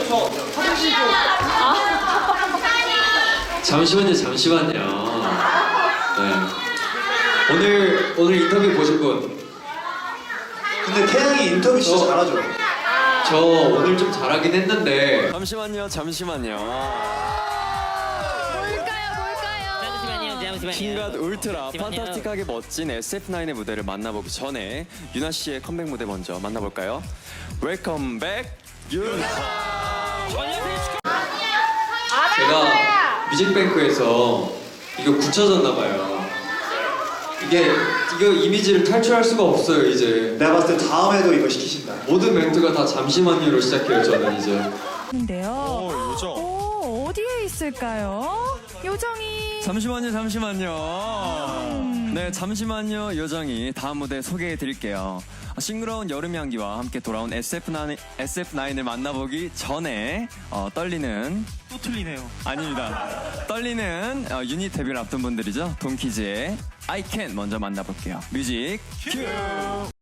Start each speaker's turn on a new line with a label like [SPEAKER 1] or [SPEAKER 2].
[SPEAKER 1] 저 화장실 좀.
[SPEAKER 2] 잠시만요. 네. 오늘 인터뷰 보신 분.
[SPEAKER 1] 근데 태양이 인터뷰 진짜 잘하죠.
[SPEAKER 2] 저 오늘 좀 잘하긴 했는데.
[SPEAKER 3] 잠시만요. 킹갓 울트라 판타스틱하게 멋진 SF9의 무대를 만나보기 전에 유나 씨의 컴백 무대 먼저 만나볼까요? 웰컴 백 유나.
[SPEAKER 2] 제가 뮤직뱅크에서 이거 굳혀졌나 봐요. 이거 이미지를 탈출할 수가 없어요 이제.
[SPEAKER 1] 내가 봤을 때 다음에도 이거 시키신다.
[SPEAKER 2] 모든 멘트가 다 잠시만요로 시작해요 저는 이제.
[SPEAKER 4] 인데요.
[SPEAKER 3] 요정.
[SPEAKER 4] 어디에 있을까요? 요정이.
[SPEAKER 3] 잠시만요. 네, 잠시만요. 요정이 다음 무대 소개해 드릴게요. 싱그러운 여름 향기와 함께 돌아온 SF9을 만나보기 전에 떨리는
[SPEAKER 1] 또 틀리네요.
[SPEAKER 3] 아닙니다. 떨리는 유닛 데뷔를 앞둔 분들이죠. 돈키즈의 I Can 먼저 만나볼게요. 뮤직 큐.